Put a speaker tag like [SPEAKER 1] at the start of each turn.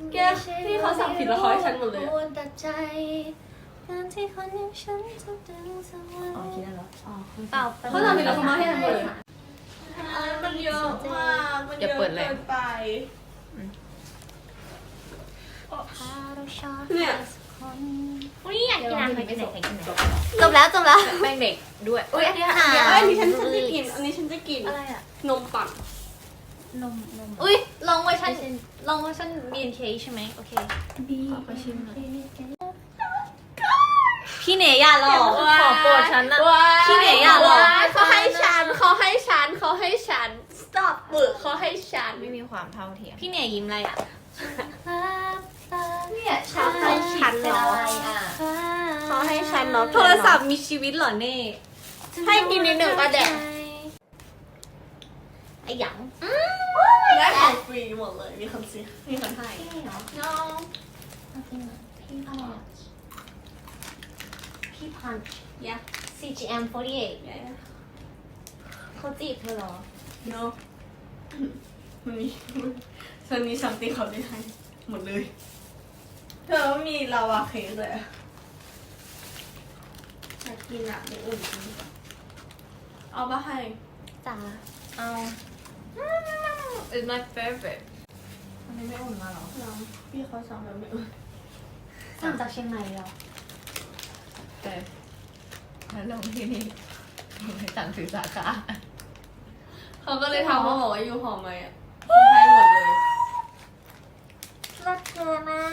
[SPEAKER 1] แกพี่เขาสั่งผิดแล้วเขาให้ฉันหมดเลยอะ
[SPEAKER 2] การที่คนอย่างฉันจะดึงสวรรค์
[SPEAKER 3] อ๋อคิดได้แล้ว
[SPEAKER 2] อ๋อเปล่า
[SPEAKER 1] เขาสั่งผิดแล้วเขามาให้ฉันหมดเลยมันเยอะมากมันเยอะเกินไปเนี่ย
[SPEAKER 2] อุ้ยอยากกินอาหารไปไหน
[SPEAKER 3] จบแล้วจบแล้ว
[SPEAKER 2] แป้งเด็กด้วยอุ้ยอันนี้
[SPEAKER 1] อันนี้ฉันจะกินอันนี้ฉันจะกิน
[SPEAKER 2] อะไรอะ
[SPEAKER 1] นมปั่น
[SPEAKER 2] นม
[SPEAKER 3] อุ้ยลองเวอร์ชันBNK ใช่ไหมโอเคขอชิมหน่อยพี่เนยอย่าหลอกขอโปรดฉันนะพี่เนยอย่าหลอก
[SPEAKER 1] เขาให้ฉันstop เบิกเขาให้ฉัน
[SPEAKER 3] ไม่มีความเท่าเทียมพี่เนยยิ้มอะไรอ่ะ
[SPEAKER 2] เนี่ยชา
[SPEAKER 1] ให้ฉันเหรอ เขาให้ฉันเนาะ
[SPEAKER 3] โทรศัพท์มีชีวิตเหรอเน่
[SPEAKER 1] ให้กินนิดหนึ่งก็แดก
[SPEAKER 3] ไอ้หยัง
[SPEAKER 1] ได้ของฟรีหมดเลยมีคนซื้อมีคนให้
[SPEAKER 2] น้องพี่อะไรอะพี่พัน
[SPEAKER 1] yeah
[SPEAKER 2] CGM 48
[SPEAKER 1] yeah
[SPEAKER 2] เขาจีบเธอเหรอ
[SPEAKER 1] no มันมีฉันมีซัมติงเขาได้ให้หมดเลยเธอมีลาวาเค้กเลยอยากกินอ่ะเดี๋ยวอุ่นกินเอามาให้
[SPEAKER 2] จ๋า
[SPEAKER 3] เอา It's my favorite
[SPEAKER 2] อันนี้ไม่อุ่นมาเหรอ
[SPEAKER 1] น้องพี่เขาสั่งแบบไม่อุ่น
[SPEAKER 2] สั่งจากเชียงใหม่เหรอ
[SPEAKER 3] แต่ถ้าลงที่นี่ไม่สั่งซื้อสาขา
[SPEAKER 1] เขาก็เลยทำมาบอกว่าอยู่หอมไหมอ่ะเขาให้หมดเลย
[SPEAKER 2] รักเธอมา